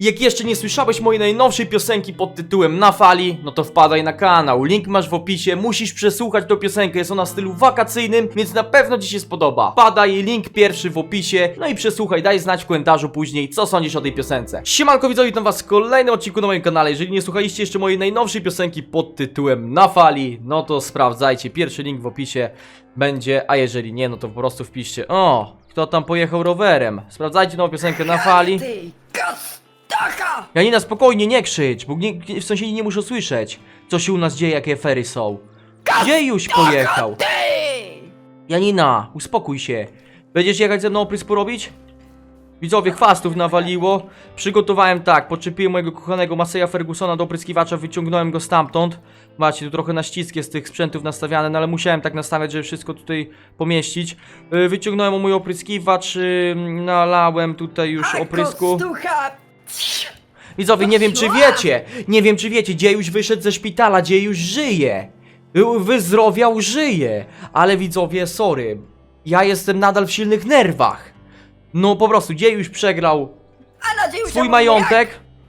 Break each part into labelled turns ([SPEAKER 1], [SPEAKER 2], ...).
[SPEAKER 1] Jak jeszcze nie słyszałeś mojej najnowszej piosenki pod tytułem Na Fali, no to wpadaj na kanał, link masz w opisie, musisz przesłuchać tą piosenkę, jest ona w stylu wakacyjnym, więc na pewno ci się spodoba. Wpadaj, link pierwszy w opisie, no i przesłuchaj, daj znać w komentarzu później, co sądzisz o tej piosence. Siemanko widzowie, witam was w kolejnym odcinku na moim kanale. Jeżeli nie słuchaliście jeszcze mojej najnowszej piosenki pod tytułem Na Fali, no to sprawdzajcie, pierwszy link w opisie będzie, a jeżeli nie, no to po prostu wpiszcie, o, kto tam pojechał rowerem. Sprawdzajcie nową piosenkę Na Fali. Janina, spokojnie, nie krzycz, bo w sąsiedzi nie muszą słyszeć, co się u nas dzieje, jakie afery są. Gdzie już pojechał? Janina, uspokój się. Będziesz jechać ze mną oprysk porobić? Widzowie, chwastów nawaliło. Przygotowałem tak, podczepiłem mojego kochanego Masseya Fergusona do opryskiwacza, wyciągnąłem go stamtąd. Macie tu trochę na ścisk jest tych sprzętów nastawiane, no ale musiałem tak nastawiać, żeby wszystko tutaj pomieścić. Wyciągnąłem mój opryskiwacz, nalałem tutaj już oprysku. Widzowie, nie wiem czy wiecie, Dziejuś wyszedł ze szpitala, Dziejuś żyje. Wyzdrowiał, żyje. Ale widzowie, sorry, ja jestem nadal w silnych nerwach. No po prostu, Dziejuś przegrał swój majątek.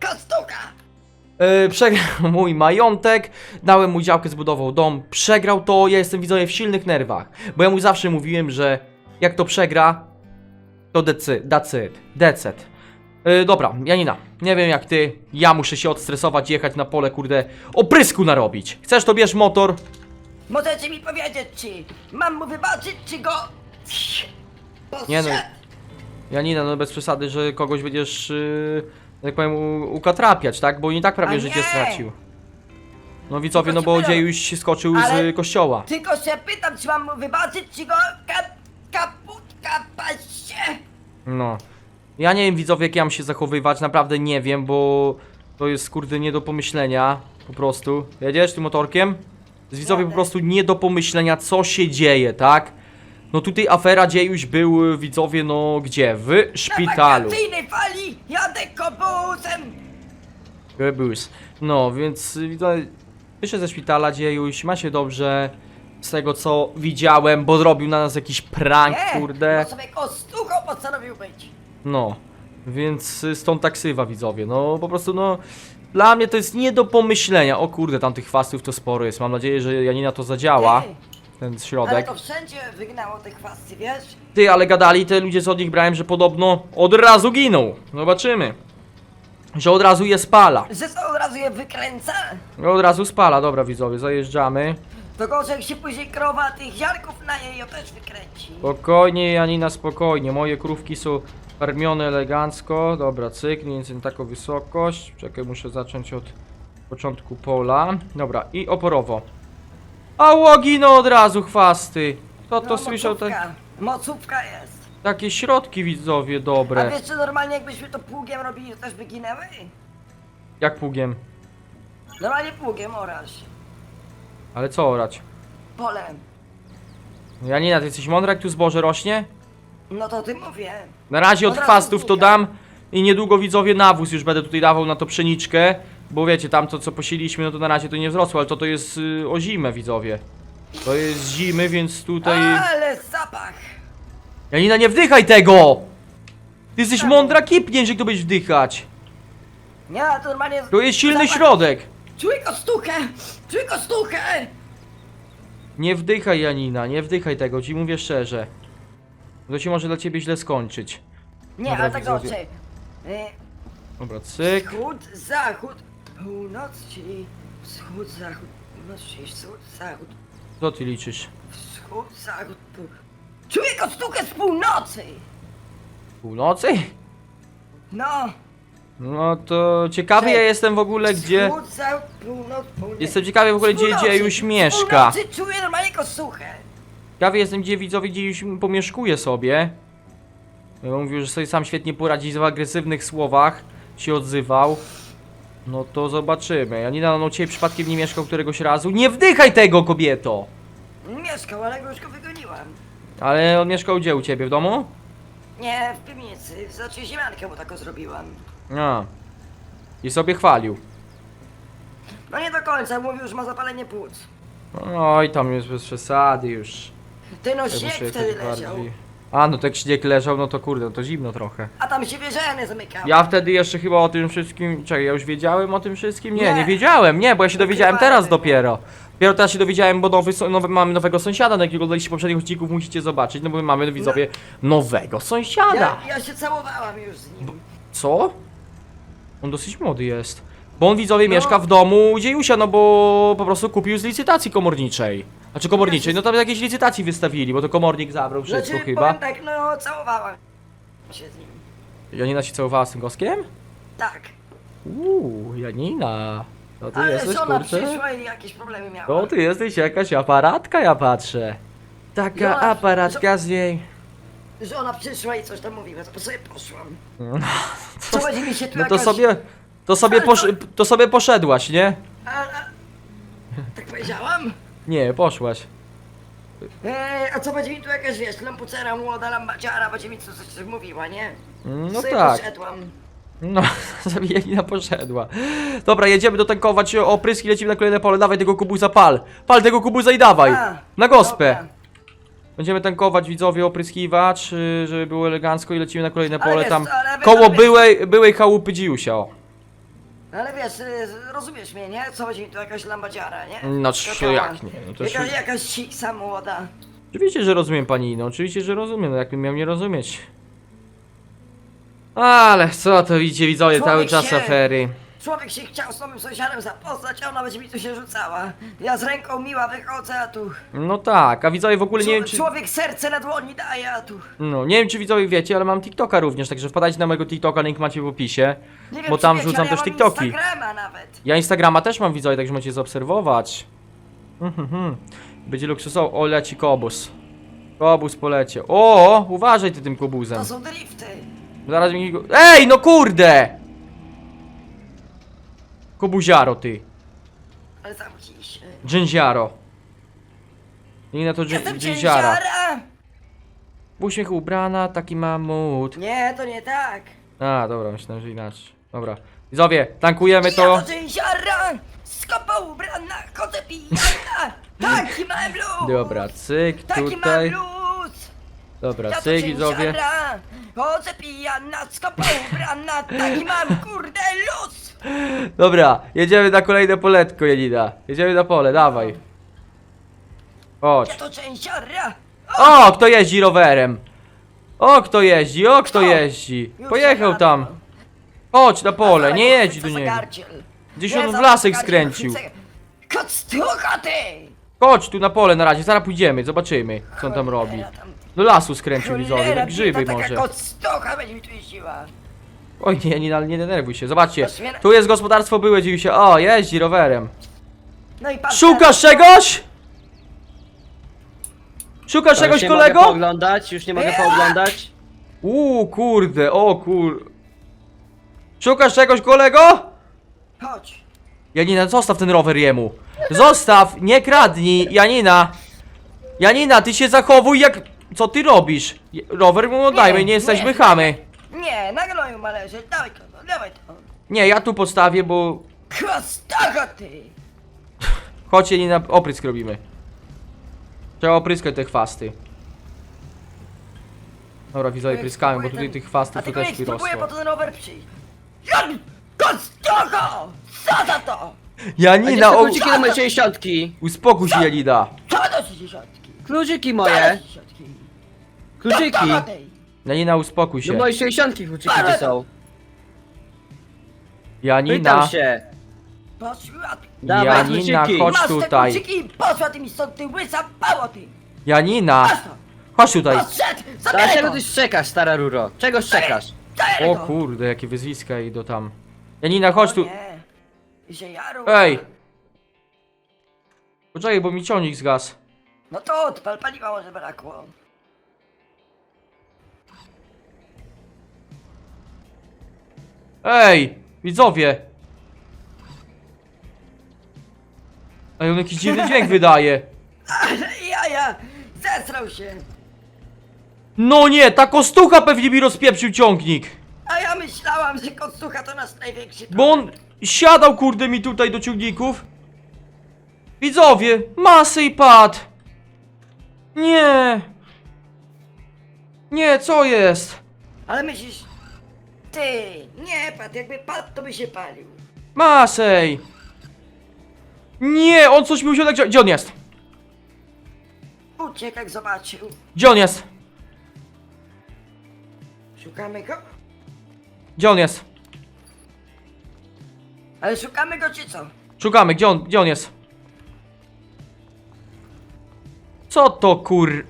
[SPEAKER 1] Przegrał mój majątek, dałem mu działkę, zbudował dom, przegrał to, ja jestem widzowie w silnych nerwach. Bo ja mu zawsze mówiłem, że jak to przegra, to decyd. Dobra, Janina, nie wiem jak ty, ja muszę się odstresować, jechać na pole, kurde, oprysku narobić. Chcesz, to bierz motor.
[SPEAKER 2] Możecie mi powiedzieć, czy mam mu wybaczyć, czy go...
[SPEAKER 1] Nie no, Janina, no bez przesady, że kogoś będziesz, tak powiem, ukatrapiać, tak? Bo i tak prawie
[SPEAKER 2] A
[SPEAKER 1] życie
[SPEAKER 2] nie!
[SPEAKER 1] stracił. No widzowie,
[SPEAKER 2] Tylko
[SPEAKER 1] no bo
[SPEAKER 2] ci pytam.
[SPEAKER 1] Dziejuś skoczył
[SPEAKER 2] Ale-
[SPEAKER 1] z kościoła.
[SPEAKER 2] Tylko się pytam, czy mam mu wybaczyć, czy go... kaputka paście.
[SPEAKER 1] No. Ja nie wiem widzowie jak ja mam się zachowywać, naprawdę nie wiem, bo to jest kurde nie do pomyślenia, po prostu. Jedziesz tym motorkiem? Z widzowie po
[SPEAKER 2] Jadę.
[SPEAKER 1] prostu nie do pomyślenia co się dzieje, tak? No tutaj afera Dziejuś był widzowie no gdzie? W szpitalu.
[SPEAKER 2] Na wakacyjnej fali jadę kobusem.
[SPEAKER 1] Bus. No więc widzowie, wyszedł ze szpitala Dziejuś, ma się dobrze. Z tego co widziałem, bo zrobił na nas jakiś prank, kurde.
[SPEAKER 2] bo sobie kostuchą postanowił być.
[SPEAKER 1] No, więc stąd taksywa widzowie, no po prostu no dla mnie to jest nie do pomyślenia. O kurde, tam tych chwastów to sporo jest, mam nadzieję, że Janina to zadziała,
[SPEAKER 2] Ty,
[SPEAKER 1] ten
[SPEAKER 2] ale
[SPEAKER 1] środek.
[SPEAKER 2] to wszędzie wygnało te chwasty, wiesz?
[SPEAKER 1] Ty, ale gadali te ludzie co od nich brałem, że podobno od razu giną. Zobaczymy, że od razu je spala.
[SPEAKER 2] Że to od razu je wykręca?
[SPEAKER 1] Od razu spala, dobra widzowie, zajeżdżamy.
[SPEAKER 2] To gorzej jak się później krowa tych ziarków na jej też wykręci.
[SPEAKER 1] Spokojnie Janina, spokojnie, moje krówki są karmione elegancko. Dobra, cyk, mniej więcej na taką wysokość. Czekaj, muszę zacząć od początku pola. Dobra, i oporowo. A łogino od razu chwasty. Kto to słyszał?
[SPEAKER 2] Mocówka jest.
[SPEAKER 1] Takie środki widzowie
[SPEAKER 2] A
[SPEAKER 1] dobre.
[SPEAKER 2] wiesz, czy normalnie jakbyśmy to pługiem robili, to też by ginęły?
[SPEAKER 1] Jak pługiem?
[SPEAKER 2] Normalnie pługiem orasz.
[SPEAKER 1] Ale co orać?
[SPEAKER 2] Polem.
[SPEAKER 1] Janina, ty jesteś mądra jak tu zboże rośnie?
[SPEAKER 2] No to ty mówię.
[SPEAKER 1] Na razie od
[SPEAKER 2] Od razu
[SPEAKER 1] chwastów to
[SPEAKER 2] znika.
[SPEAKER 1] dam i niedługo widzowie nawóz już będę tutaj dawał na to pszeniczkę. Bo wiecie, tam to co posieliśmy, no to na razie to nie wzrosło, ale to jest o zimę widzowie. To jest zimy, więc tutaj...
[SPEAKER 2] Ale zapach!
[SPEAKER 1] Janina, nie wdychaj tego! Ty jesteś mądra, kipniesz, jak to będziesz wdychać.
[SPEAKER 2] Nie, to normalnie...
[SPEAKER 1] To jest silny
[SPEAKER 2] zapach.
[SPEAKER 1] środek.
[SPEAKER 2] Czuj kostuchę! Czuj kostuchę!
[SPEAKER 1] Nie wdychaj Janina, nie wdychaj tego, ci mówię szczerze. To się może dla ciebie źle skończyć.
[SPEAKER 2] Nie,
[SPEAKER 1] Dobra,
[SPEAKER 2] ale tak
[SPEAKER 1] widzowie.
[SPEAKER 2] dobrze.
[SPEAKER 1] Dobra, cyk.
[SPEAKER 2] Wschód, zachód, północ, czyli wschód, zachód, północ, czyli wschód, zachód,
[SPEAKER 1] Co ty liczysz?
[SPEAKER 2] wschód, zachód, Czuję kostuchę z północy!
[SPEAKER 1] Północy?
[SPEAKER 2] No!
[SPEAKER 1] No to ciekawy ja jestem w ogóle gdzie...
[SPEAKER 2] Wschód, zachód, północ, południe.
[SPEAKER 1] Jestem ciekawy w ogóle gdzie
[SPEAKER 2] Z północy,
[SPEAKER 1] Dziejuś
[SPEAKER 2] z
[SPEAKER 1] mieszka.
[SPEAKER 2] północy czuję normalnie kostuchę.
[SPEAKER 1] Ciekawy jestem gdzie widzowie Dziejuś pomieszkuje sobie. Ja mówił, że sobie sam świetnie poradzi w agresywnych słowach. Się odzywał. No to zobaczymy. Janina, no ciebie przypadkiem nie mieszkał któregoś razu. Nie wdychaj tego, kobieto!
[SPEAKER 2] Mieszkał, ale go już go wygoniłam.
[SPEAKER 1] Ale on mieszkał gdzie u ciebie, w domu?
[SPEAKER 2] Nie, w piwnicy, znaczy ziemiankę mu taką zrobiłam.
[SPEAKER 1] A. I sobie chwalił.
[SPEAKER 2] No nie do końca, mówił, że ma zapalenie płuc.
[SPEAKER 1] Oj, tam jest bez przesady już.
[SPEAKER 2] Ty no
[SPEAKER 1] Ja
[SPEAKER 2] śnieg
[SPEAKER 1] muszę
[SPEAKER 2] wtedy
[SPEAKER 1] jakoś
[SPEAKER 2] leciał.
[SPEAKER 1] bardziej... A, no tak śnieg leżał, no to kurde, no to zimno trochę.
[SPEAKER 2] A tam się wieżeny zamykały.
[SPEAKER 1] Ja wtedy jeszcze chyba o tym wszystkim... Czekaj, ja już wiedziałem o tym wszystkim? Nie,
[SPEAKER 2] Nie.
[SPEAKER 1] nie wiedziałem, nie, bo ja się dowiedziałem teraz
[SPEAKER 2] Ukrywamy.
[SPEAKER 1] dopiero. Dopiero teraz się dowiedziałem, bo mamy nowego sąsiada, na jakiego oglądaliście poprzednich odcinków, musicie zobaczyć, no bo my mamy, widzowie, nowego sąsiada.
[SPEAKER 2] Ja się całowałam już z nim.
[SPEAKER 1] Co? On dosyć młody jest. Bo on, widzowie,
[SPEAKER 2] No.
[SPEAKER 1] mieszka w domu Dziejusia, no bo po prostu kupił z licytacji komorniczej. Znaczy komorniczej, no tam jakieś licytacji wystawili, bo to komornik zabrał wszystko
[SPEAKER 2] Znaczy,
[SPEAKER 1] chyba.
[SPEAKER 2] powiem tak, no całowałam się z nim.
[SPEAKER 1] Janina się całowała z tym goskiem?
[SPEAKER 2] Tak.
[SPEAKER 1] Janina. To ty
[SPEAKER 2] Ale
[SPEAKER 1] jesteś,
[SPEAKER 2] żona
[SPEAKER 1] kurczę?
[SPEAKER 2] przyszła i jakieś problemy miała.
[SPEAKER 1] To ty jesteś jakaś aparatka, ja patrzę. Taka
[SPEAKER 2] Żona-
[SPEAKER 1] aparatka z niej.
[SPEAKER 2] Żona przyszła i coś tam mówiła, to sobie poszłam.
[SPEAKER 1] No,
[SPEAKER 2] Co będzie mi się tu
[SPEAKER 1] no to
[SPEAKER 2] jakaś...
[SPEAKER 1] sobie... To sobie poszedłaś, nie?
[SPEAKER 2] Tak powiedziałam?
[SPEAKER 1] Nie, poszłaś.
[SPEAKER 2] A co będzie mi tu jakaś, wiesz, lampucera młoda, lambaciara, będzie mi coś mówiła, nie?
[SPEAKER 1] No
[SPEAKER 2] Sobie
[SPEAKER 1] tak.
[SPEAKER 2] poszedłam.
[SPEAKER 1] No, sobie Janina poszedła. Dobra, jedziemy dotankować opryski, lecimy na kolejne pole. Dawaj tego kubuza, pal. Pal tego kubuza i dawaj.
[SPEAKER 2] A,
[SPEAKER 1] Na gospę.
[SPEAKER 2] dobra.
[SPEAKER 1] Będziemy tankować, widzowie, opryskiwacz, żeby było elegancko i lecimy na kolejne
[SPEAKER 2] Ale
[SPEAKER 1] pole
[SPEAKER 2] wiesz,
[SPEAKER 1] tam
[SPEAKER 2] ale wiesz,
[SPEAKER 1] koło
[SPEAKER 2] ale wiesz-
[SPEAKER 1] byłej chałupy Dziusia, o.
[SPEAKER 2] Ale wiesz, rozumiesz mnie, nie? Co będzie mi tu jakaś lambadziara, nie?
[SPEAKER 1] No,
[SPEAKER 2] Skakała.
[SPEAKER 1] jak nie? No to
[SPEAKER 2] Jakaś siksa młoda.
[SPEAKER 1] Oczywiście, że rozumiem pani, no oczywiście, że rozumiem, no jakbym miał nie rozumieć. Ale co to widzicie, widzowie, cały
[SPEAKER 2] Człowiek
[SPEAKER 1] czas
[SPEAKER 2] się-
[SPEAKER 1] afery.
[SPEAKER 2] Człowiek się chciał z nowym sąsiadem zapoznać, a ona będzie mi tu się rzucała. Ja z ręką miła wychodzę, a tu...
[SPEAKER 1] No tak, a widzowie w ogóle nie wiem czy...
[SPEAKER 2] Człowiek serce na dłoni daje, a tu...
[SPEAKER 1] No, nie wiem czy widzowie wiecie, ale mam TikToka również, także wpadajcie na mojego TikToka, link macie w opisie.
[SPEAKER 2] Nie wiem,
[SPEAKER 1] Bo
[SPEAKER 2] czy
[SPEAKER 1] tam
[SPEAKER 2] wiecie,
[SPEAKER 1] wrzucam
[SPEAKER 2] ale ja
[SPEAKER 1] też
[SPEAKER 2] mam
[SPEAKER 1] TikToki.
[SPEAKER 2] Instagrama nawet.
[SPEAKER 1] Ja Instagrama też mam, widzowie, także możecie zaobserwować. Będzie luksusowo. O, leci kobus. Kobus polecie. O, uważaj ty tym kobuzem.
[SPEAKER 2] To są drifty.
[SPEAKER 1] Zaraz mi go... Ej, no kurde! Kobuziaro ty.
[SPEAKER 2] Ale zamknij się.
[SPEAKER 1] Dżęziaro. Nie na to
[SPEAKER 2] Jestem
[SPEAKER 1] dżęziara.
[SPEAKER 2] cięciara.
[SPEAKER 1] W uśmiechu ubrana, taki mamut.
[SPEAKER 2] Nie, to nie tak.
[SPEAKER 1] A, dobra, myślałem, że inaczej. Dobra. Widzowie, tankujemy
[SPEAKER 2] Ja
[SPEAKER 1] to.
[SPEAKER 2] to cięciara. Skopa ubrana, chodzę pijana. Taki mam blues.
[SPEAKER 1] Dobra, cyk,
[SPEAKER 2] Taki mam
[SPEAKER 1] tutaj.
[SPEAKER 2] blues.
[SPEAKER 1] Dobra,
[SPEAKER 2] Ja to
[SPEAKER 1] cyk, widzowie.
[SPEAKER 2] cięciara. Chodzę pijana, skopa ubrana. Taki mam kurde luz.
[SPEAKER 1] Dobra, jedziemy na kolejne poletko, Janina. Jedziemy na pole, dawaj.
[SPEAKER 2] Ja
[SPEAKER 1] Chodź.
[SPEAKER 2] to cięciara.
[SPEAKER 1] O, kto jeździ rowerem? O, kto jeździ? O, kto
[SPEAKER 2] Kto?
[SPEAKER 1] jeździ?
[SPEAKER 2] Już
[SPEAKER 1] Pojechał
[SPEAKER 2] jadę.
[SPEAKER 1] tam. Chodź na pole,
[SPEAKER 2] Ale
[SPEAKER 1] nie jedź
[SPEAKER 2] co
[SPEAKER 1] do
[SPEAKER 2] za
[SPEAKER 1] niego.
[SPEAKER 2] gardziel.
[SPEAKER 1] Gdzieś
[SPEAKER 2] Nie
[SPEAKER 1] on w
[SPEAKER 2] za
[SPEAKER 1] lasek
[SPEAKER 2] gardziel,
[SPEAKER 1] skręcił.
[SPEAKER 2] Koctucha ty!
[SPEAKER 1] Chodź tu na pole na razie, zaraz pójdziemy, zobaczymy, co on tam robi.
[SPEAKER 2] Cholera, tam-
[SPEAKER 1] Do lasu skręcił, widzowie,
[SPEAKER 2] cholera,
[SPEAKER 1] na grzyby
[SPEAKER 2] bieda,
[SPEAKER 1] może.
[SPEAKER 2] Taka koctucha będzie mi tu jeździła.
[SPEAKER 1] Oj, nie denerwuj się, zobaczcie.
[SPEAKER 2] Aż mnie-
[SPEAKER 1] Tu jest gospodarstwo byłe, dziwi się. O, jeździ rowerem.
[SPEAKER 2] No i patrz
[SPEAKER 1] Szukasz
[SPEAKER 2] teraz,
[SPEAKER 1] czegoś? Szukasz
[SPEAKER 3] To
[SPEAKER 1] czegoś,
[SPEAKER 3] już nie mogę
[SPEAKER 1] kolego?
[SPEAKER 3] pooglądać, już nie mogę pooglądać.
[SPEAKER 1] Kurde, o kur... Szukasz czegoś, kolego?
[SPEAKER 2] Chodź.
[SPEAKER 1] Janina, zostaw ten rower jemu. Zostaw, nie kradnij, Janina. Janina, ty się zachowuj jak... Co ty robisz? Rower mu oddajmy, nie jesteśmy
[SPEAKER 2] nie.
[SPEAKER 1] chamy.
[SPEAKER 2] Nie, na gnoju ma leżeć, dawaj to, dawaj to.
[SPEAKER 1] Nie, ja tu postawię, bo...
[SPEAKER 2] Koctucha ty!
[SPEAKER 1] Chodź, Janina, oprysk robimy. Trzeba opryskać te chwasty. Dobra, widzowie, pryskamy, bo tutaj tych
[SPEAKER 2] A
[SPEAKER 1] chwastów to
[SPEAKER 2] tylko
[SPEAKER 1] też
[SPEAKER 2] niech spróbuję
[SPEAKER 1] wyrosło.
[SPEAKER 2] po ten rower przyjść. Jan! Koctucha! Co za to?
[SPEAKER 3] A gdzie
[SPEAKER 1] Janina,
[SPEAKER 3] są
[SPEAKER 1] o...
[SPEAKER 3] kluczyki do mojej 60?
[SPEAKER 1] Uspokój się, Janina.
[SPEAKER 2] Co do 60?
[SPEAKER 3] Kluczyki moje! Kluczyki!
[SPEAKER 2] Koctucha ty!
[SPEAKER 1] Janina, uspokój
[SPEAKER 3] Do
[SPEAKER 1] się.
[SPEAKER 3] mojej 60 kluczyki gdzie są?
[SPEAKER 1] Janina,
[SPEAKER 3] Pytam się!
[SPEAKER 2] Poszła ty!
[SPEAKER 3] Dawaj
[SPEAKER 1] Janina,
[SPEAKER 3] kluczyki!
[SPEAKER 1] chodź
[SPEAKER 2] Masz te
[SPEAKER 1] tutaj.
[SPEAKER 2] kluczyki i poszła ty mi stąd, ty łysa pało ty!
[SPEAKER 1] Janina,
[SPEAKER 2] Masz to!
[SPEAKER 1] chodź tutaj.
[SPEAKER 2] Poszedł! Zabieraj
[SPEAKER 3] Dlaczego
[SPEAKER 2] go!
[SPEAKER 3] ty szczekasz, stara ruro? Czego szczekasz?
[SPEAKER 2] Zabieraj
[SPEAKER 1] O
[SPEAKER 2] go!
[SPEAKER 1] kurde, jakie wyzwiska idą tam. Janina, chodź
[SPEAKER 2] O
[SPEAKER 1] tu.
[SPEAKER 2] nie. I się jaru.
[SPEAKER 1] Ej! Poczekaj, bo mi ciągnik zgasł.
[SPEAKER 2] No to odpal, paliwa może brakło.
[SPEAKER 1] Ej! Widzowie! Ej, on jakiś dziwny dźwięk wydaje.
[SPEAKER 2] Ale jaja! Zesrał się!
[SPEAKER 1] No nie, ta kostucha pewnie mi rozpieprzył ciągnik.
[SPEAKER 2] A ja myślałam, że koctucha to nasz największy
[SPEAKER 1] Bo on siadał kurde mi tutaj do ciągników. Widzowie, masy i padł. Nie. Nie, co jest?
[SPEAKER 2] Ale myślisz... Ty, nie padł, jakby padł, to by się palił.
[SPEAKER 1] Masej! Nie, on coś mi wziął. Gdzie on jest?
[SPEAKER 2] Uciekł jak zobaczył.
[SPEAKER 1] Gdzie on jest?
[SPEAKER 2] Szukamy go?
[SPEAKER 1] Gdzie on jest?
[SPEAKER 2] Ale szukamy go czy co?
[SPEAKER 1] Szukamy, gdzie on jest? Co to kur...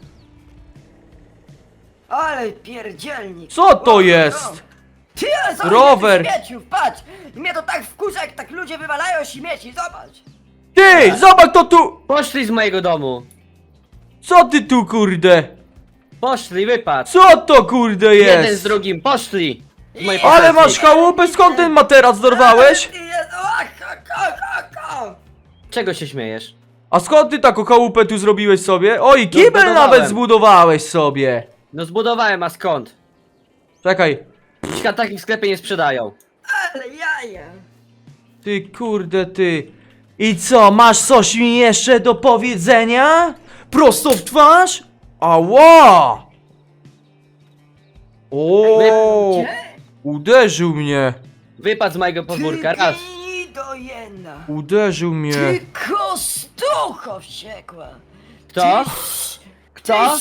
[SPEAKER 2] Ale pierdzielnik.
[SPEAKER 1] Co to jest?
[SPEAKER 2] Ty, ale zobacz,
[SPEAKER 1] Rower.
[SPEAKER 2] ile tych śmieciów, patrz! Mnie to tak wkurza, jak tak ludzie wywalają śmieci, zobacz!
[SPEAKER 1] Ty, zobacz to tu!
[SPEAKER 3] Poszli z mojego domu.
[SPEAKER 1] Co ty tu kurde?
[SPEAKER 3] Poszli, wypadł.
[SPEAKER 1] Co to kurde
[SPEAKER 3] Jeden z
[SPEAKER 1] jest?
[SPEAKER 3] drugim, poszli. Z mojej
[SPEAKER 1] Ale
[SPEAKER 3] posesji.
[SPEAKER 1] masz chałupę, skąd ten materac dorwałeś?
[SPEAKER 2] Ty jest, o.
[SPEAKER 3] Czego się śmiejesz?
[SPEAKER 1] A skąd ty taką chałupę tu zrobiłeś sobie? Oj, kibel
[SPEAKER 3] zbudowałem.
[SPEAKER 1] nawet zbudowałeś sobie.
[SPEAKER 3] No zbudowałem, a skąd?
[SPEAKER 1] Czekaj.
[SPEAKER 3] Dziś takich w sklepie nie sprzedają.
[SPEAKER 2] Ale jaja!
[SPEAKER 1] Ty kurde ty. I co, masz coś mi jeszcze do powiedzenia? Prosto w twarz? Ała! O,
[SPEAKER 2] Gdzie?
[SPEAKER 1] uderzył mnie.
[SPEAKER 3] Wypadł z mojego podwórka, raz.
[SPEAKER 2] Ty do jedna!
[SPEAKER 1] Uderzył mnie.
[SPEAKER 2] Ty kostucho wściekła!
[SPEAKER 3] Kto?
[SPEAKER 2] Ty,
[SPEAKER 3] Kto?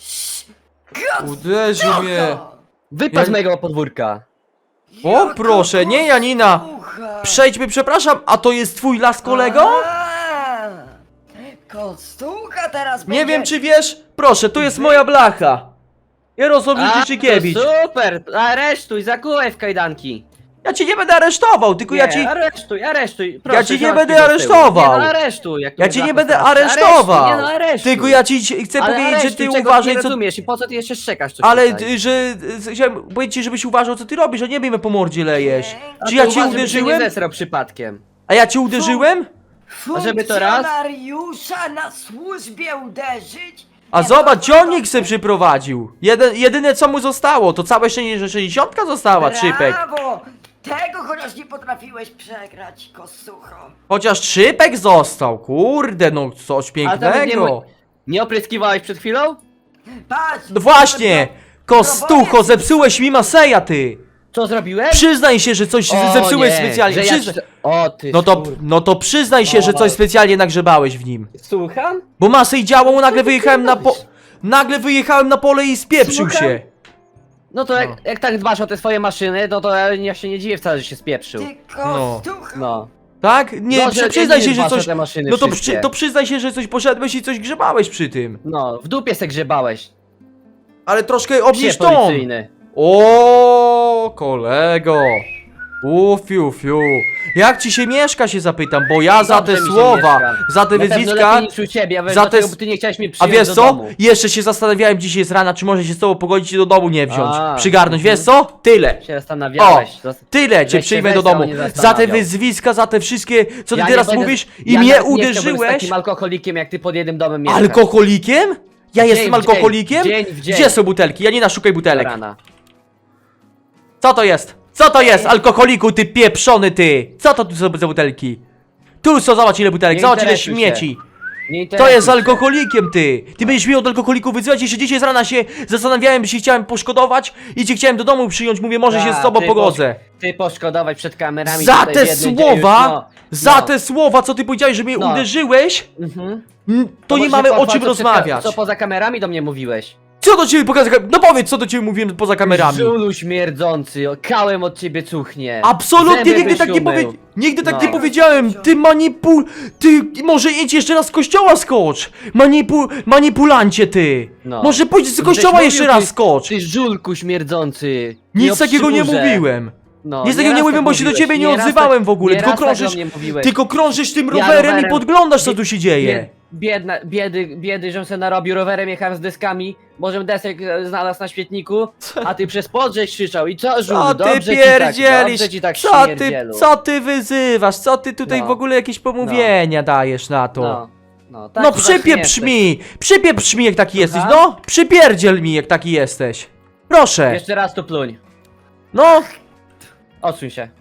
[SPEAKER 1] Uderzył mnie.
[SPEAKER 3] Wypadł z mojego podwórka.
[SPEAKER 1] O, proszę, nie Janina. Przejdźmy, przepraszam, a to jest twój las kolego?
[SPEAKER 2] Kostucha teraz
[SPEAKER 1] Nie
[SPEAKER 2] będzie...
[SPEAKER 1] wiem czy wiesz, proszę, tu jest moja blacha. Jarosław Życzykiewicz.
[SPEAKER 3] to super! Aresztuj, zakułaj w kajdanki.
[SPEAKER 1] Ja cię nie będę aresztował, tylko ja ci...
[SPEAKER 3] Aresztuj, proszę.
[SPEAKER 1] Ja cię nie
[SPEAKER 3] załatw
[SPEAKER 1] będę
[SPEAKER 3] mi do tyłu.
[SPEAKER 1] aresztował.
[SPEAKER 3] Nie no, aresztuj, jak tu
[SPEAKER 1] Ja
[SPEAKER 3] mnie
[SPEAKER 1] cię nie
[SPEAKER 3] blachą
[SPEAKER 1] będę
[SPEAKER 3] straszy.
[SPEAKER 1] aresztował.
[SPEAKER 3] Aresztuj, nie no, aresztuj.
[SPEAKER 1] Tylko ja ci chcę
[SPEAKER 3] Ale
[SPEAKER 1] powiedzieć, że
[SPEAKER 3] aresztuj,
[SPEAKER 1] ty
[SPEAKER 3] czego
[SPEAKER 1] uważaj
[SPEAKER 3] nie
[SPEAKER 1] co...
[SPEAKER 3] rozumiesz i po co ty jeszcze szczekasz coś
[SPEAKER 1] Ale,
[SPEAKER 3] tutaj?
[SPEAKER 1] że... Chciałem powiedzieć ci, żebyś uważał co ty robisz, a nie bijmy po mordzie lejesz.
[SPEAKER 3] A
[SPEAKER 1] Czy
[SPEAKER 3] ty
[SPEAKER 1] ja cię
[SPEAKER 3] uważaj, żeby się
[SPEAKER 1] uderzyłem?
[SPEAKER 3] nie zesrał przypadkiem.
[SPEAKER 1] A ja cię uderzyłem?
[SPEAKER 3] A żeby to raz?
[SPEAKER 2] Funkcjonariusza na służbie uderzyć?
[SPEAKER 1] A
[SPEAKER 2] Nie,
[SPEAKER 1] zobacz,
[SPEAKER 2] no,
[SPEAKER 1] ciągnik se przyprowadził. Jedyne co mu zostało, to całe szczęście, że 60 została, trzypek.
[SPEAKER 2] Brawo! Tego chociaż nie potrafiłeś przegrać, kosucho.
[SPEAKER 1] Chociaż trzypek został, kurde, no coś
[SPEAKER 3] Ale nawet nie,
[SPEAKER 1] pięknego.
[SPEAKER 3] nie opryskiwałeś przed chwilą?
[SPEAKER 2] Patrz!
[SPEAKER 1] No właśnie, kostucho, zepsułeś mi Maseja, ty.
[SPEAKER 3] Co zrobiłem?
[SPEAKER 1] Przyznaj się, że coś
[SPEAKER 3] O,
[SPEAKER 1] zepsułeś
[SPEAKER 3] nie,
[SPEAKER 1] specjalnie.
[SPEAKER 3] że ja
[SPEAKER 1] Przyzna...
[SPEAKER 3] ci- O ty
[SPEAKER 1] No
[SPEAKER 3] no
[SPEAKER 1] to przyznaj się, że coś specjalnie nagrzebałeś w nim.
[SPEAKER 3] Słucham?
[SPEAKER 1] Bo Masej działał, nagle
[SPEAKER 3] ty
[SPEAKER 1] wyjechałem na
[SPEAKER 3] robisz?
[SPEAKER 1] Nagle wyjechałem na pole i spieprzył
[SPEAKER 3] Słucham?
[SPEAKER 1] się.
[SPEAKER 3] No to jak tak dbasz o te swoje maszyny, no to ja się nie dziwię wcale, że się spieprzył.
[SPEAKER 2] Ty kostucho!
[SPEAKER 3] No.
[SPEAKER 1] Tak? Nie,
[SPEAKER 3] No, że
[SPEAKER 1] przyznaj
[SPEAKER 3] nie
[SPEAKER 1] się, że
[SPEAKER 3] dbasz o
[SPEAKER 1] coś...
[SPEAKER 3] te maszyny
[SPEAKER 1] No to,
[SPEAKER 3] wszystkie.
[SPEAKER 1] to przyznaj się, że coś poszedłeś i coś grzebałeś przy tym.
[SPEAKER 3] No, w dupie se grzebałeś.
[SPEAKER 1] Ale troszkę
[SPEAKER 3] Psie
[SPEAKER 1] obniż ton.
[SPEAKER 3] policyjny.
[SPEAKER 1] O, kolego. Fiu, fiu. Jak ci się mieszka, się zapytam, bo ja za te
[SPEAKER 3] Dobrze mi się
[SPEAKER 1] słowa,
[SPEAKER 3] mieszka.
[SPEAKER 1] za te
[SPEAKER 3] Na pewno
[SPEAKER 1] wyzwiska...
[SPEAKER 3] lepiej niż u ciebie, a
[SPEAKER 1] za te
[SPEAKER 3] dlatego,
[SPEAKER 1] s-
[SPEAKER 3] bo ty nie chciałeś mnie
[SPEAKER 1] A
[SPEAKER 3] przyjąć
[SPEAKER 1] wiesz
[SPEAKER 3] do
[SPEAKER 1] co?
[SPEAKER 3] domu.
[SPEAKER 1] Jeszcze się zastanawiałem dzisiaj z rana, czy może się z tobą pogodzić i do domu nie wziąć.
[SPEAKER 3] A,
[SPEAKER 1] Przygarnąć, wiesz co? Tyle.
[SPEAKER 3] Się zastanawiałeś.
[SPEAKER 1] Tyle cię
[SPEAKER 3] Żeś się
[SPEAKER 1] przyjmę do
[SPEAKER 3] wesał,
[SPEAKER 1] domu.
[SPEAKER 3] nie
[SPEAKER 1] Za te
[SPEAKER 3] zastanawiał.
[SPEAKER 1] wyzwiska, za te wszystkie, co ty
[SPEAKER 3] Ja nie
[SPEAKER 1] teraz
[SPEAKER 3] będę-
[SPEAKER 1] mówisz i
[SPEAKER 3] ja
[SPEAKER 1] mnie
[SPEAKER 3] nawet nie chciałbym z
[SPEAKER 1] uderzyłeś.
[SPEAKER 3] takim alkoholikiem jak ty pod jednym domem mieszkać.
[SPEAKER 1] Alkoholikiem? Ja
[SPEAKER 3] Dzień
[SPEAKER 1] jestem
[SPEAKER 3] w dzień,
[SPEAKER 1] alkoholikiem?
[SPEAKER 3] dzień w dzień.
[SPEAKER 1] Gdzie są butelki? Janina, szukaj
[SPEAKER 3] Do
[SPEAKER 1] butelek.
[SPEAKER 3] rana.
[SPEAKER 1] Co to jest? Co to jest, alkoholiku, ty pieprzony, ty? Co to tu są za butelki? Tu są, zobacz ile butelek,
[SPEAKER 3] Nie
[SPEAKER 1] zobacz ile
[SPEAKER 3] interesuj się.
[SPEAKER 1] śmieci.
[SPEAKER 3] Nie
[SPEAKER 1] To
[SPEAKER 3] interesuj
[SPEAKER 1] jest
[SPEAKER 3] się.
[SPEAKER 1] alkoholikiem, ty! Ty będziesz mnie od alkoholików wyzywać, jeszcze dzisiaj z rana się zastanawiałem, czy chciałem poszkodować i cię chciałem do domu przyjąć, mówię, może się z tobą
[SPEAKER 3] ty
[SPEAKER 1] pogodzę.
[SPEAKER 3] Ty poszkodować przed kamerami
[SPEAKER 1] Za
[SPEAKER 3] tutaj
[SPEAKER 1] te
[SPEAKER 3] w jednym
[SPEAKER 1] słowa,
[SPEAKER 3] dzień już,
[SPEAKER 1] za te słowa, co ty powiedziałeś, że mnie
[SPEAKER 3] No.
[SPEAKER 1] uderzyłeś,
[SPEAKER 3] Mhm.
[SPEAKER 1] to nie
[SPEAKER 3] może
[SPEAKER 1] mamy o
[SPEAKER 3] pochwal,
[SPEAKER 1] czym
[SPEAKER 3] co przed
[SPEAKER 1] rozmawiać.
[SPEAKER 3] Co poza kamerami do mnie mówiłeś?
[SPEAKER 1] Co do ciebie pokazać? No powiedz, co do ciebie mówiłem poza kamerami.
[SPEAKER 3] Żulu śmierdzący, kałem od ciebie cuchnie.
[SPEAKER 1] Absolutnie
[SPEAKER 3] Zęby
[SPEAKER 1] nigdy tak nie
[SPEAKER 3] byś umył.
[SPEAKER 1] powiedziałem. Nigdy tak
[SPEAKER 3] No.
[SPEAKER 1] nie powiedziałem. Ty Ty może idź jeszcze raz z kościoła skocz. Manipulancie ty.
[SPEAKER 3] No.
[SPEAKER 1] Może pójdź z
[SPEAKER 3] Żeś
[SPEAKER 1] kościoła
[SPEAKER 3] mówił,
[SPEAKER 1] jeszcze
[SPEAKER 3] ty-
[SPEAKER 1] raz skocz.
[SPEAKER 3] Ty żulku śmierdzący.
[SPEAKER 1] Nic takiego nie
[SPEAKER 3] obskurze.
[SPEAKER 1] mówiłem.
[SPEAKER 3] No,
[SPEAKER 1] Nic takiego nie
[SPEAKER 3] nieraz
[SPEAKER 1] mówiłem,
[SPEAKER 3] tak
[SPEAKER 1] bo się do
[SPEAKER 3] mówiłeś,
[SPEAKER 1] ciebie nie
[SPEAKER 3] nieraz
[SPEAKER 1] odzywałem
[SPEAKER 3] tak-
[SPEAKER 1] w ogóle.
[SPEAKER 3] nieraz
[SPEAKER 1] Tylko
[SPEAKER 3] tak do
[SPEAKER 1] krążysz,
[SPEAKER 3] mnie mówiłeś.
[SPEAKER 1] tylko krążysz tym
[SPEAKER 3] Ja
[SPEAKER 1] rowerem i
[SPEAKER 3] rowerem-
[SPEAKER 1] podglądasz co tu się dzieje.
[SPEAKER 3] Biedy, żem se narobił rowerem, jechałem z deskami, może desek znalazł na świetniku, a ty przez podrzeć krzyczał i co żul,
[SPEAKER 1] Co ty
[SPEAKER 3] dobrze
[SPEAKER 1] pierdzielisz?
[SPEAKER 3] dobrze ci tak śmierdzielu.
[SPEAKER 1] Co ty wyzywasz? Co ty tutaj
[SPEAKER 3] No.
[SPEAKER 1] w ogóle jakieś pomówienia dajesz na to?
[SPEAKER 3] No,
[SPEAKER 1] No
[SPEAKER 3] taki właśnie
[SPEAKER 1] przypieprz
[SPEAKER 3] jesteś.
[SPEAKER 1] mi! Przypieprz mi jak taki jesteś,
[SPEAKER 3] Słucham?
[SPEAKER 1] no! Przypierdziel mi jak taki jesteś! Proszę!
[SPEAKER 3] Jeszcze raz tu pluń.
[SPEAKER 1] No!
[SPEAKER 3] Odsuń się.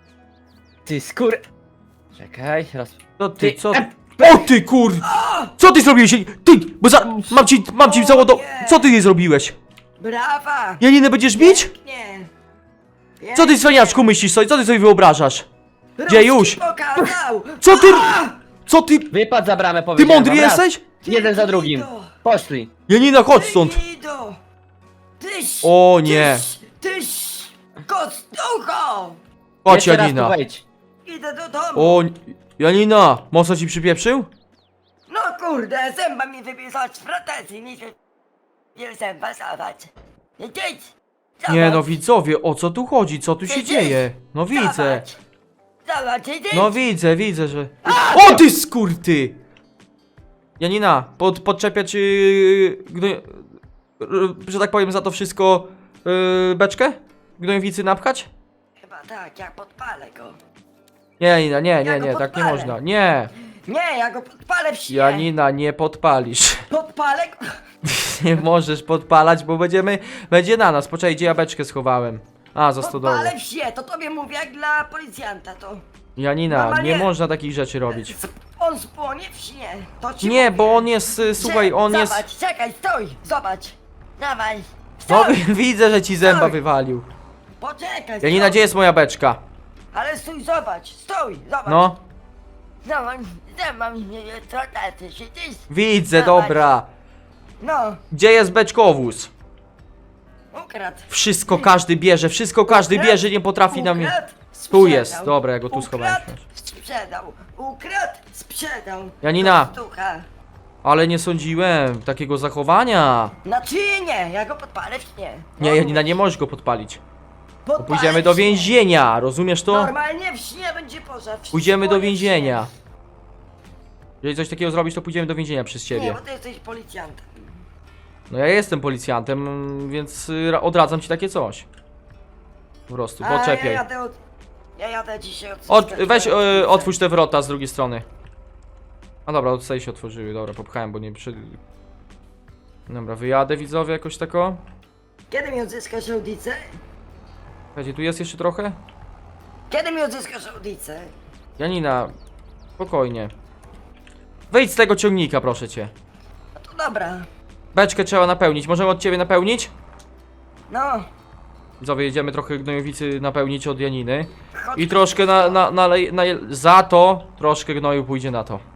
[SPEAKER 3] Ty skór... Czekaj, raz...
[SPEAKER 1] To ty,
[SPEAKER 3] Ty-
[SPEAKER 1] co? O ty kur... Co ty zrobiłeś? Ty! Bo mam ci załodo... Co ty jej zrobiłeś?
[SPEAKER 2] Brawa!
[SPEAKER 1] Janinę będziesz bić?
[SPEAKER 2] Nie.
[SPEAKER 1] Co ty, cwaniaczku, myślisz sobie? Co ty sobie wyobrażasz? Gdzie już?
[SPEAKER 2] Pokazał!
[SPEAKER 1] Co ty? Co ty?
[SPEAKER 3] Wypad za bramę,
[SPEAKER 1] Ty
[SPEAKER 3] powiedziałem
[SPEAKER 1] mądry
[SPEAKER 3] wam, raz.
[SPEAKER 1] jesteś?
[SPEAKER 3] Jeden za drugim. Poszli.
[SPEAKER 1] Janina, chodź stąd.
[SPEAKER 2] Gnido! Tyś!
[SPEAKER 1] O nie.
[SPEAKER 2] Tyś! Kostucho!
[SPEAKER 1] Chodź,
[SPEAKER 3] Jeszcze raz tu
[SPEAKER 1] Janina.
[SPEAKER 3] wejdź.
[SPEAKER 2] Idę do domu!
[SPEAKER 1] O, Janina, mocno ci przypieprzył?
[SPEAKER 2] No kurde, zęba mi wypisać z protezji, mi się... Nie zęba zawać. Idź!
[SPEAKER 1] Nie no, widzowie, o co tu chodzi? Co tu się dzieje? No widzę.
[SPEAKER 2] Zobacz, idź!
[SPEAKER 1] No widzę, że... O ty skurty! Janina, podczepiać, że tak powiem, za to wszystko beczkę? Gnojowicy napchać?
[SPEAKER 2] Chyba tak, ja podpalę go.
[SPEAKER 1] Nie, Janina, nie,
[SPEAKER 2] Ja go
[SPEAKER 1] tak nie
[SPEAKER 2] podpalę.
[SPEAKER 1] można. Nie,
[SPEAKER 2] Nie, ja go podpalę w śnie!
[SPEAKER 1] Janina, nie podpalisz.
[SPEAKER 2] Podpalę go!
[SPEAKER 1] Nie możesz podpalać, bo będzie na nas. Poczekaj, gdzie ja beczkę schowałem? A, za stodołą.
[SPEAKER 2] Podpalę w śnie, to tobie mówię jak dla policjanta, to...
[SPEAKER 1] Janina,
[SPEAKER 2] Normalnie-
[SPEAKER 1] nie można takich rzeczy robić.
[SPEAKER 2] On spłonie w śnie, to ci
[SPEAKER 1] Nie,
[SPEAKER 2] mówię.
[SPEAKER 1] bo on jest, słuchaj, on jest...
[SPEAKER 2] Zobacz, czekaj, stój, zobacz! Dawaj,
[SPEAKER 1] No
[SPEAKER 2] stój!
[SPEAKER 1] widzę, że ci zęba
[SPEAKER 2] Stój.
[SPEAKER 1] wywalił.
[SPEAKER 2] Poczekaj,
[SPEAKER 1] Janina,
[SPEAKER 2] stój.
[SPEAKER 1] gdzie jest moja beczka?
[SPEAKER 2] Ale stój, zobacz!
[SPEAKER 1] No,
[SPEAKER 2] Zobacz, zęba mi nie trotaty, siedzisz?
[SPEAKER 1] widzę,
[SPEAKER 2] Dawaj.
[SPEAKER 1] dobra.
[SPEAKER 2] No,
[SPEAKER 1] Gdzie jest beczkowóz?
[SPEAKER 2] ukradł.
[SPEAKER 1] Wszystko każdy bierze, wszystko każdy bierze, nie potrafi na mnie...
[SPEAKER 2] Ukradł,
[SPEAKER 1] Tu
[SPEAKER 2] sprzedał.
[SPEAKER 1] jest, dobra, ja go tu schowałem.
[SPEAKER 2] Ukradł, sprzedał. Ukradł, sprzedał.
[SPEAKER 1] Janina.
[SPEAKER 2] Kostucha.
[SPEAKER 1] Ale nie sądziłem takiego zachowania.
[SPEAKER 2] Znaczy nie, ja go podpalę w śnie.
[SPEAKER 1] Nie, Janina, nie możesz go podpalić. Bo
[SPEAKER 2] Podpalę
[SPEAKER 1] pójdziemy
[SPEAKER 2] w
[SPEAKER 1] do
[SPEAKER 2] śnie.
[SPEAKER 1] więzienia, rozumiesz to?
[SPEAKER 2] Normalnie w śnie będzie pożar.
[SPEAKER 1] Pójdziemy do
[SPEAKER 2] Spłonie w
[SPEAKER 1] więzienia.
[SPEAKER 2] śnie.
[SPEAKER 1] Jeżeli coś takiego zrobisz, to pójdziemy do więzienia przez
[SPEAKER 2] Nie,
[SPEAKER 1] ciebie.
[SPEAKER 2] bo ty jesteś policjantem.
[SPEAKER 1] No ja jestem policjantem, więc odradzam ci takie coś. Po prostu,
[SPEAKER 2] A
[SPEAKER 1] poczepiaj.
[SPEAKER 2] ja jadę dzisiaj od
[SPEAKER 1] Weź, otwórz te wrota z drugiej strony. A dobra, tutaj się otworzyły, dobra, popchałem, bo nie przy... Dobra, wyjadę, widzowie, jakoś tako.
[SPEAKER 2] Kiedy mi odzyskasz audicę?
[SPEAKER 1] Słuchajcie, tu jest jeszcze trochę?
[SPEAKER 2] Kiedy mi odzyskasz audicę?
[SPEAKER 1] Janina, spokojnie. Wyjdź z tego ciągnika, proszę cię.
[SPEAKER 2] No to dobra.
[SPEAKER 1] Beczkę trzeba napełnić, możemy od ciebie napełnić?
[SPEAKER 2] No,
[SPEAKER 1] Widzowie, jedziemy trochę gnojowicy napełnić od Janiny.
[SPEAKER 2] chodź.
[SPEAKER 1] I troszkę za to troszkę gnoju pójdzie na to.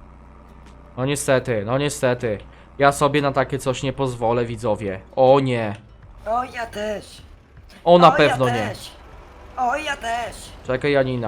[SPEAKER 1] No niestety. Ja sobie na takie coś nie pozwolę, widzowie. O nie.
[SPEAKER 2] O, ja też.
[SPEAKER 1] O, na
[SPEAKER 2] O,
[SPEAKER 1] pewno
[SPEAKER 2] ja
[SPEAKER 1] nie.
[SPEAKER 2] też. O, ja też.
[SPEAKER 1] Czekaj, Janina.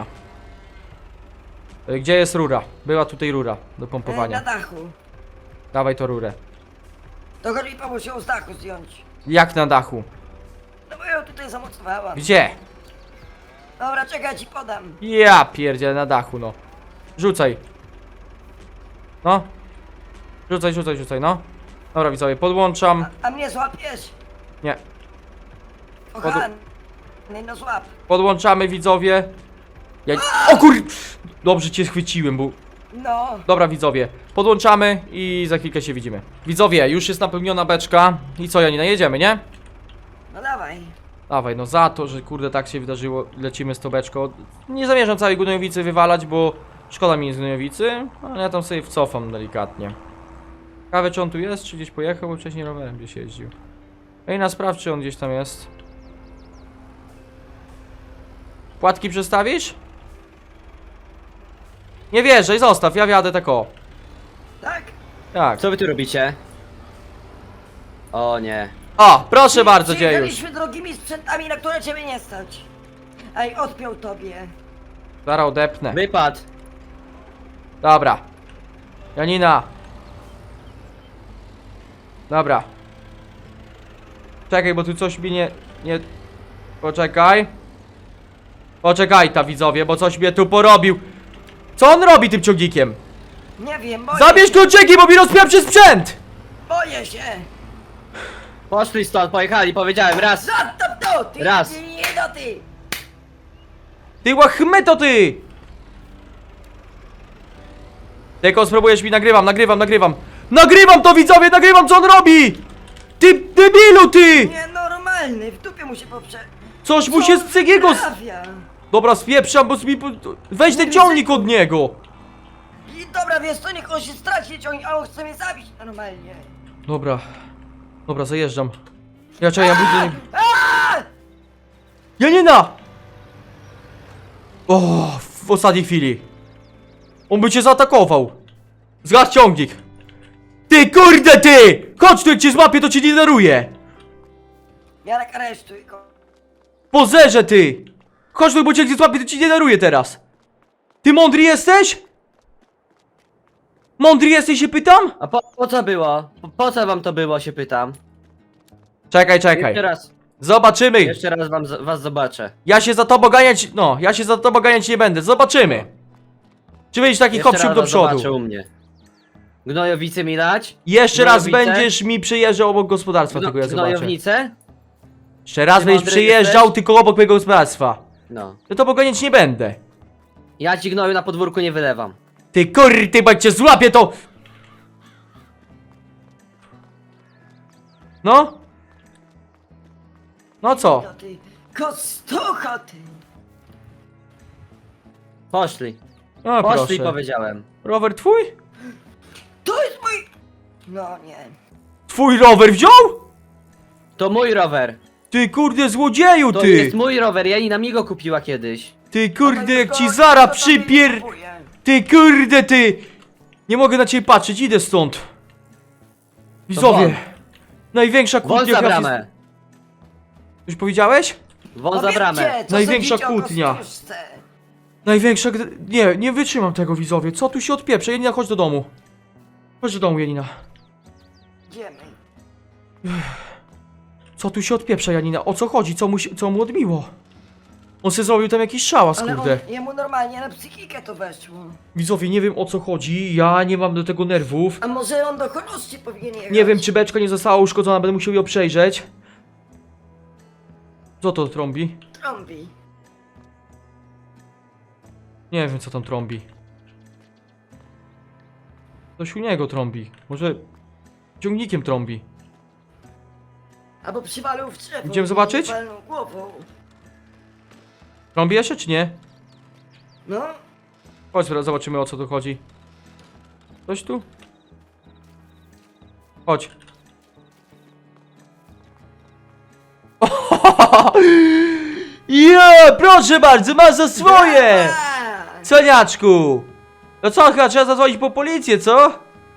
[SPEAKER 1] Gdzie jest rura? Była tutaj rura do
[SPEAKER 2] Na
[SPEAKER 1] pompowania.
[SPEAKER 2] dachu.
[SPEAKER 1] Dawaj to rurę.
[SPEAKER 2] To chodź mi pomóż ją z dachu zdjąć.
[SPEAKER 1] Jak na dachu?
[SPEAKER 2] No bo ją tutaj zamocowałam.
[SPEAKER 1] Gdzie?
[SPEAKER 2] Dobra, czekaj, ja ci podam.
[SPEAKER 1] Ja pierdzielę, na dachu, no. Rzucaj. No. Rzucaj, no. Dobra, widzowie, podłączam.
[SPEAKER 2] A mnie złapiesz?
[SPEAKER 1] Nie.
[SPEAKER 2] Kochany, no złap.
[SPEAKER 1] Podłączamy, widzowie. O kur... Dobrze cię schwyciłem, bo...
[SPEAKER 2] No.
[SPEAKER 1] Dobra, widzowie, podłączamy i za chwilkę się widzimy. Widzowie, już jest napełniona beczka. I co, Janina, jedziemy, nie?
[SPEAKER 2] No dawaj.
[SPEAKER 1] Dawaj, no za to, że kurde tak się wydarzyło, lecimy z tą beczką. Nie zamierzam całej gnojowicy wywalać, bo szkoda mi jest gnojowicy, ale ja tam sobie wcofam delikatnie. Ciekawe, czy on tu jest, czy gdzieś pojechał, bo wcześniej rowerem gdzieś jeździł. Ej, sprawdź, czy on gdzieś tam jest. Płatki przestawisz? Nie wierzę, zostaw, ja wjadę tak o.
[SPEAKER 2] Tak?
[SPEAKER 1] Tak.
[SPEAKER 3] Co wy tu robicie? O nie.
[SPEAKER 1] O, proszę bardzo, dziejuś.
[SPEAKER 2] Przyjechaliśmy drogimi sprzętami, na które ciebie nie stać. Ej, odpiął tobie.
[SPEAKER 1] Zaraz odepnę.
[SPEAKER 3] Wypad.
[SPEAKER 1] Dobra. Janina. Dobra. Czekaj, bo tu coś mi nie... Poczekaj. Poczekaj ta, widzowie, bo coś mnie tu porobił. Co on robi tym ciągnikiem?
[SPEAKER 2] Nie wiem, boję
[SPEAKER 1] Zabierz
[SPEAKER 2] się.
[SPEAKER 1] kluczyki, bo mi rozpieprzy sprzęt!
[SPEAKER 2] Boję się.
[SPEAKER 3] Poszli stąd, pojechali, powiedziałem raz.
[SPEAKER 2] Zostaw to, ty.
[SPEAKER 3] Raz.
[SPEAKER 2] Nie, no ty.
[SPEAKER 1] Ty łachmyto, ty! Tylko spróbujesz mi, nagrywam. Nagrywam to, widzowie, nagrywam, co on robi! Ty debilu, ty!
[SPEAKER 2] Nienormalny, w dupie mu się poprze...
[SPEAKER 1] Coś mu się z Cygiego...
[SPEAKER 2] sprawia?
[SPEAKER 1] Dobra, spieprzam, bo mi... Weź ten ciągnik od niego!
[SPEAKER 2] I dobra, wiesz co, niech on się straci ciągnie, a on chce mnie zabić normalnie.
[SPEAKER 1] Dobra, zajeżdżam. Ja czekaj, ja budzę... Janina! O, w ostatniej chwili. On by cię zaatakował. Zgasz ciągnik. Ty kurde ty! Chodź tu, jak cię złapię, to cię nie daruję.
[SPEAKER 2] Jarek, aresztuj go.
[SPEAKER 1] Pozerze ty! Chodź tu, bo cię jak cię złapię, to ci nie daruję teraz. Ty mądry jesteś? Mądry jesteś, się pytam?
[SPEAKER 3] A po co było? Po co wam to było, się pytam?
[SPEAKER 1] Czekaj, czekaj. Zobaczymy.
[SPEAKER 3] Jeszcze raz was zobaczę.
[SPEAKER 1] Ja się za tobą ganiać, no, ja się za tobą ganiać nie będę. Zobaczymy. Czy będziesz taki
[SPEAKER 3] Jeszcze
[SPEAKER 1] hopsiub
[SPEAKER 3] raz
[SPEAKER 1] do
[SPEAKER 3] was zobaczę
[SPEAKER 1] przodu?
[SPEAKER 3] u mnie. Gnojowicy mi dać?
[SPEAKER 1] Jeszcze raz
[SPEAKER 3] Gnojowicę?
[SPEAKER 1] będziesz mi przyjeżdżał obok gospodarstwa, tylko ja zobaczę.
[SPEAKER 3] Gnojownicę?
[SPEAKER 1] Jeszcze raz
[SPEAKER 3] Ty
[SPEAKER 1] będziesz
[SPEAKER 3] mądry
[SPEAKER 1] przyjeżdżał
[SPEAKER 3] jesteś?
[SPEAKER 1] tylko obok mojego gospodarstwa.
[SPEAKER 3] No.
[SPEAKER 1] To tobą ganiać nie będę.
[SPEAKER 3] Ja ci gnoju na podwórku nie wylewam.
[SPEAKER 1] Ty kurty, bo jak cię złapię to... No? No co?
[SPEAKER 2] No ty, kostucho ty.
[SPEAKER 3] Poszli.
[SPEAKER 1] No
[SPEAKER 3] Poszli,
[SPEAKER 1] proszę.
[SPEAKER 3] powiedziałem.
[SPEAKER 1] Rower twój?
[SPEAKER 2] To jest mój... No nie.
[SPEAKER 1] Twój rower wziął?
[SPEAKER 3] To mój rower.
[SPEAKER 1] Ty kurde złodzieju
[SPEAKER 3] To
[SPEAKER 1] ty!
[SPEAKER 3] jest mój rower, Janina mi go kupiła kiedyś.
[SPEAKER 1] Ty kurde jak ci
[SPEAKER 2] Kto
[SPEAKER 1] zara
[SPEAKER 2] to tobie
[SPEAKER 1] przypier...
[SPEAKER 2] kupuje?
[SPEAKER 1] Ty kurde ty! Nie mogę na ciebie patrzeć, idę stąd. Widzowie.
[SPEAKER 3] won.
[SPEAKER 1] Największa
[SPEAKER 3] Wąs
[SPEAKER 1] kłótnia
[SPEAKER 3] za
[SPEAKER 1] chyba w
[SPEAKER 3] bramę.
[SPEAKER 1] Już powiedziałeś?
[SPEAKER 3] Wąs za bramę.
[SPEAKER 2] Powiedzcie, co
[SPEAKER 1] Największa
[SPEAKER 2] sądzicie o
[SPEAKER 1] kłótnia.
[SPEAKER 2] kostuszce?
[SPEAKER 1] Największa... Nie, nie wytrzymam tego, widzowie. Co tu się odpieprze? Janina, chodź do domu. Chodź do domu, Janina.
[SPEAKER 2] Idziemy.
[SPEAKER 1] Co tu się odpieprza, Janina? O co chodzi? Co mu odbiło? On se zrobił tam jakiś szałas,
[SPEAKER 2] Ale
[SPEAKER 1] kurde.
[SPEAKER 2] on, jemu normalnie na psychikę to weszło.
[SPEAKER 1] Widzowie, nie wiem o co chodzi. Ja nie mam do tego nerwów.
[SPEAKER 2] A może on do chorości powinien jechać?
[SPEAKER 1] Nie wiem, czy beczka nie została uszkodzona, będę musiał ją przejrzeć. Co to trąbi?
[SPEAKER 2] Trąbi.
[SPEAKER 1] Nie wiem, co tam trąbi. Coś u niego trąbi. Może ciągnikiem trąbi.
[SPEAKER 2] Albo przywalił w drzewo.
[SPEAKER 1] Idziemy zobaczyć?
[SPEAKER 2] i walnął głową.
[SPEAKER 1] Trąbi jeszcze, czy nie?
[SPEAKER 2] No.
[SPEAKER 1] Chodź, zobaczymy, o co tu chodzi. Coś tu? Chodź. Ja, proszę bardzo, masz za swoje!
[SPEAKER 2] Brawa!
[SPEAKER 1] Coniaczku! No co, chyba trzeba zadzwonić po policję, co?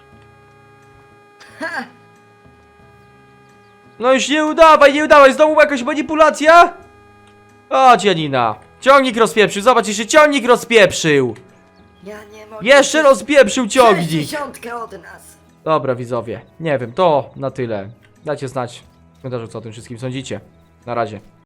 [SPEAKER 1] No już nie udawaj, nie udawaj, znowu jakaś manipulacja? Chodź, Janina. Ciągnik rozpieprzył, zobacz, jeszcze ciągnik rozpieprzył.
[SPEAKER 2] Ja nie mogę.
[SPEAKER 1] Jeszcze rozpieprzył ciągnik.
[SPEAKER 2] 60 od nas.
[SPEAKER 1] Dobra, widzowie, nie wiem, to na tyle. Dajcie znać w komentarzu, co o tym wszystkim sądzicie. Na razie.